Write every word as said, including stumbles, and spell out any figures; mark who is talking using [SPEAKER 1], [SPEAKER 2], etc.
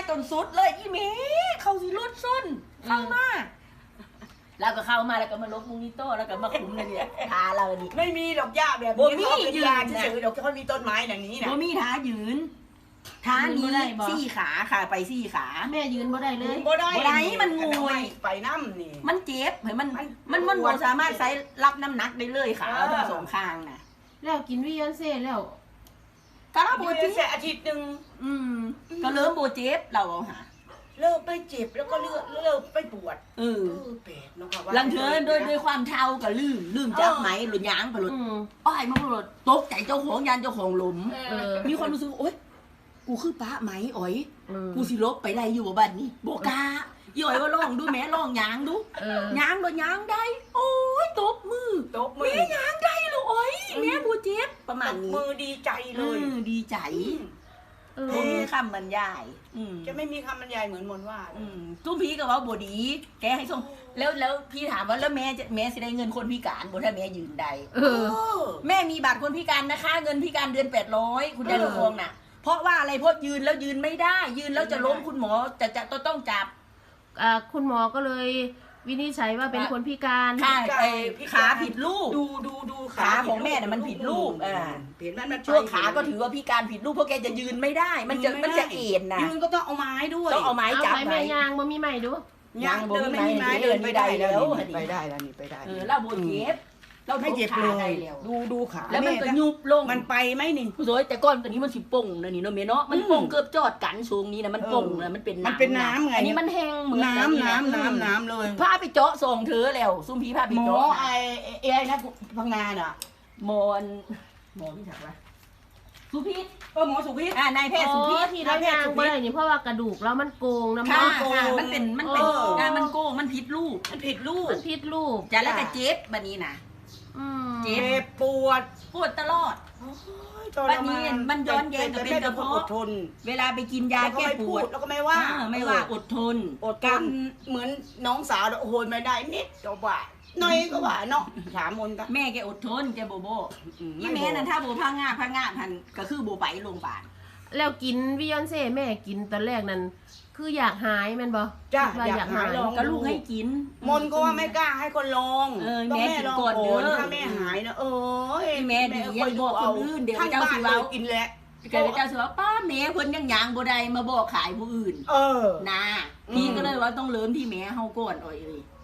[SPEAKER 1] จนสุดเลยอีเมเขาสิรถส้นเข้ามาแล้วก็เข้ามาแล้วก็มาลบมุงนิโต้แล้วก็มาคุ้มเลยเนี่ยทาเราดิ
[SPEAKER 2] ไม่มีดอกหญ้าแบบ
[SPEAKER 1] บ่
[SPEAKER 2] นี้
[SPEAKER 1] มี
[SPEAKER 2] เขาเป็น
[SPEAKER 1] ยืน
[SPEAKER 2] ยาง
[SPEAKER 1] นะ
[SPEAKER 2] เฉยๆดอกเขามีต้นไม้อย่างนี้นะ
[SPEAKER 1] บ่มีท้ายืนท้านี้สี่ขาค่ะไปสี่ขา
[SPEAKER 3] แม่ยืนบ่ได้เลย
[SPEAKER 2] บ่ได้
[SPEAKER 1] บ่ได้มันงวย
[SPEAKER 2] ไปน้ำนี่
[SPEAKER 1] มันเจ็บเห็นมัน
[SPEAKER 2] มัน
[SPEAKER 1] มันมันบ่สามารถใช้รับน้ำหนักได้เลยขา
[SPEAKER 2] เออ
[SPEAKER 1] ทั้งสองข้างน่ะ
[SPEAKER 3] แล้วกินวิยอนเซ่แล้ว
[SPEAKER 1] ก็เราโบ
[SPEAKER 2] อยู่
[SPEAKER 1] เจ็
[SPEAKER 2] แค่
[SPEAKER 1] บ
[SPEAKER 2] อาทิตย์หนึ่ง
[SPEAKER 1] อืมก็เริ่มโบเจ็บเราเอาหา
[SPEAKER 2] เลิกไปเจ็บแล้วก็เลิกเลิกไปปวด
[SPEAKER 1] เออ
[SPEAKER 2] เออเป็ดเนาะค่ะว่า
[SPEAKER 1] ลังเธอโดยโดยความเท่ากับลืมลืมจับไหมหรือย้างไปหลุด
[SPEAKER 3] อืม
[SPEAKER 1] อ้อยมันหลุดตกใจเจ้าของยันเจ้าของหลุม
[SPEAKER 3] เออ
[SPEAKER 1] มีความรู้สึกโอ๊ยกูคือป้าไหมอ๋อย
[SPEAKER 3] เออ
[SPEAKER 1] กูสิลบไปไรอยู่บ่บ้านนี้โบกาอีอ๋อยว่าลองดูแม่ลองยางดู
[SPEAKER 3] เออ
[SPEAKER 1] ยางโดนยางได้ โอ้ยตบมือ
[SPEAKER 2] ตบมื
[SPEAKER 1] แม่
[SPEAKER 2] อย
[SPEAKER 1] างได้เลยอ๋อยแม่บูเจ็บประมาณ
[SPEAKER 2] ตบ
[SPEAKER 1] นี้
[SPEAKER 2] มือดีใจเลย
[SPEAKER 1] อืมดีใจ
[SPEAKER 3] เออ
[SPEAKER 1] ผมมีคำบรรยายอืม
[SPEAKER 2] จะไม่มีคำบรรยายเหมือนมนต์ว่า
[SPEAKER 1] อืมตุ้มพี่ก็ว่าบดี แกให้ส่งแล้วแล้วพี่ถามว่าแล้วแม่จะแม่สิได้เงินคนพิการบ่ถ้าแม่ยืนใด
[SPEAKER 3] เอ
[SPEAKER 2] เอ
[SPEAKER 3] อ
[SPEAKER 2] อ
[SPEAKER 1] แม่มีบัตรคนพิการนะคะ เงินพิการเดือนแปดร้อยคุณยาย
[SPEAKER 2] เออ
[SPEAKER 1] ดวงน่ะ เพราะว่าอะไรเพราะยืนแล้วยืนไม่ได้ ยืนแล้วจะล้มคุณหมอจะจะต้องต้องจับ
[SPEAKER 3] อ่าคุณหมอก็เลยวินิจฉัยว่าเป็นคนพิการ
[SPEAKER 1] ขาไอ้ขาผิดรูป
[SPEAKER 2] ดูดูดู
[SPEAKER 1] ขาของแม่น่ะมันผิดรูปอ่า
[SPEAKER 2] เห็นไหมมัน
[SPEAKER 1] ช่วงขาก็ถือว่าพิการผิดรูปเพราะแกจะยืนไม่ได้ มันจะมันจะเอ็นนะ
[SPEAKER 2] ยืนก็ต้องเอาไม้ด้วย
[SPEAKER 1] ต้องเอาไม้
[SPEAKER 3] เอา
[SPEAKER 1] จับ
[SPEAKER 3] ไป
[SPEAKER 1] ไว้
[SPEAKER 3] แม่ยางบ่มีใหม่ดู
[SPEAKER 1] ยั
[SPEAKER 2] ยัง ง
[SPEAKER 1] บ่
[SPEAKER 2] เดิน
[SPEAKER 1] มี
[SPEAKER 2] ไม่มี
[SPEAKER 1] ไม้
[SPEAKER 2] ไม้
[SPEAKER 1] เดิ
[SPEAKER 2] เดิ
[SPEAKER 1] น
[SPEAKER 2] น
[SPEAKER 1] ไม่
[SPEAKER 2] ไม่
[SPEAKER 1] ได้
[SPEAKER 2] ได้
[SPEAKER 1] แล้
[SPEAKER 2] แล้ว ว
[SPEAKER 1] อันนี้
[SPEAKER 2] ไปได้แล้วนี่ไปได้
[SPEAKER 1] เออเราโบเจ็บเรา
[SPEAKER 2] ไม่เจ็บ
[SPEAKER 1] ขา
[SPEAKER 2] เล
[SPEAKER 1] ได้
[SPEAKER 2] ย
[SPEAKER 1] แล้ว
[SPEAKER 2] ดูดูขา
[SPEAKER 1] แล้วมันก็
[SPEAKER 2] ม่
[SPEAKER 1] ยุบลง
[SPEAKER 2] มันไปไหมนี่
[SPEAKER 1] ผู้สวยแต่ก้อนตัวนี้มันสิป่งนะนี่เนาะเมเนาะมันป่ง
[SPEAKER 2] อืม
[SPEAKER 1] เกือบจอดกันสูงนี้นะมันป่ง
[SPEAKER 2] เออ
[SPEAKER 1] นะมันเป็น
[SPEAKER 2] มันเป็นน้ำไง
[SPEAKER 1] อันนี้มันแห้งเหมือน
[SPEAKER 2] น้ำ
[SPEAKER 1] กั
[SPEAKER 2] น้ำ
[SPEAKER 1] ะ
[SPEAKER 2] น้ำน้ำเลย
[SPEAKER 1] พาไปเจาะส่งเธอแล้วซุ่มพี่พาไป
[SPEAKER 2] หมอ
[SPEAKER 1] เจาะ
[SPEAKER 2] ไอ้ไอ้ไอ้นะพังงานอ่ะ
[SPEAKER 1] หมอนหมอพี่ถามว่าสุพิษ
[SPEAKER 2] เออหมอสุพิษ
[SPEAKER 1] อ่านายแพทย์สุพิษ
[SPEAKER 3] อ๋อที่เรายางบ่ได้นี่เพราะว่ากระดูกแล้วมันโกงน้ำ
[SPEAKER 1] ค่ะ
[SPEAKER 3] มัน
[SPEAKER 2] โกง
[SPEAKER 1] ค่ะมันเป็นมันเป็น
[SPEAKER 2] เออ
[SPEAKER 1] อ่ามันโกงมันผิดรูป
[SPEAKER 2] มันผิดรูป
[SPEAKER 3] มันพิษลูก
[SPEAKER 1] จะแล้วก็เจ็บบัดนี้นะ
[SPEAKER 3] อืม
[SPEAKER 1] เจ็
[SPEAKER 2] เจ็บปวด
[SPEAKER 1] ปวดตลอด
[SPEAKER 2] ทร
[SPEAKER 1] บัดนี้มันย้อนแย้งกับเป็นกระเพาะ
[SPEAKER 2] อดทน
[SPEAKER 1] เวลาไปกินยา
[SPEAKER 2] แล้วก็
[SPEAKER 1] แก้
[SPEAKER 2] ไม่
[SPEAKER 1] ป
[SPEAKER 2] พู
[SPEAKER 1] ว
[SPEAKER 2] ด
[SPEAKER 1] ด
[SPEAKER 2] แล้วก็ไม่ว่า
[SPEAKER 1] อ่าไม่ว่าอดทน
[SPEAKER 2] อดกันเหมือนน้องสาวโอ้โหไม่ได้นิดก็ว่าหน่อยก็ว่าเนาะถามมนต์กัน
[SPEAKER 1] แม่แกอดทนแกโบโบ
[SPEAKER 2] อืม
[SPEAKER 1] ยี่แม่นั่นถ้าโบพังงาพังงาพันก็คือโบไปโรงพยาบาล
[SPEAKER 3] แล้วกินวิยอนเซ่แม่กินตอนแรกนั้นคืออยากหายแม่นบ่
[SPEAKER 2] จ้า
[SPEAKER 3] คิดว่า
[SPEAKER 2] อยากหายลอง
[SPEAKER 1] ก็ลูกให้กิน
[SPEAKER 2] มนต์ก็ว่าไม่กล้าให้คนลอง
[SPEAKER 1] เออ
[SPEAKER 2] ต้อง
[SPEAKER 1] แม่
[SPEAKER 2] แม่
[SPEAKER 1] กิน
[SPEAKER 2] ลอง
[SPEAKER 1] ก่อน
[SPEAKER 2] ก่อน
[SPEAKER 1] เด้อ
[SPEAKER 2] ถ้าแม่หายนะเออ
[SPEAKER 1] ที่แม่ดีอย่าบอกคนอื่นเดี๋ยว
[SPEAKER 2] ทั้ง
[SPEAKER 1] เจ้า
[SPEAKER 2] บ้า
[SPEAKER 1] สิ
[SPEAKER 2] น
[SPEAKER 1] เว้า
[SPEAKER 2] เลยกินแหละ
[SPEAKER 1] แกเลยเจ้าสิว่าป้าแม่เพิ่นยังยางบ่ได้มาบอกขายผู้อื่น
[SPEAKER 2] เออ
[SPEAKER 1] นะ
[SPEAKER 2] อืม
[SPEAKER 1] พี่ก็เลยว่าต้องเริ่มที่แม่เฮาก่อนอ่อยเอ้ย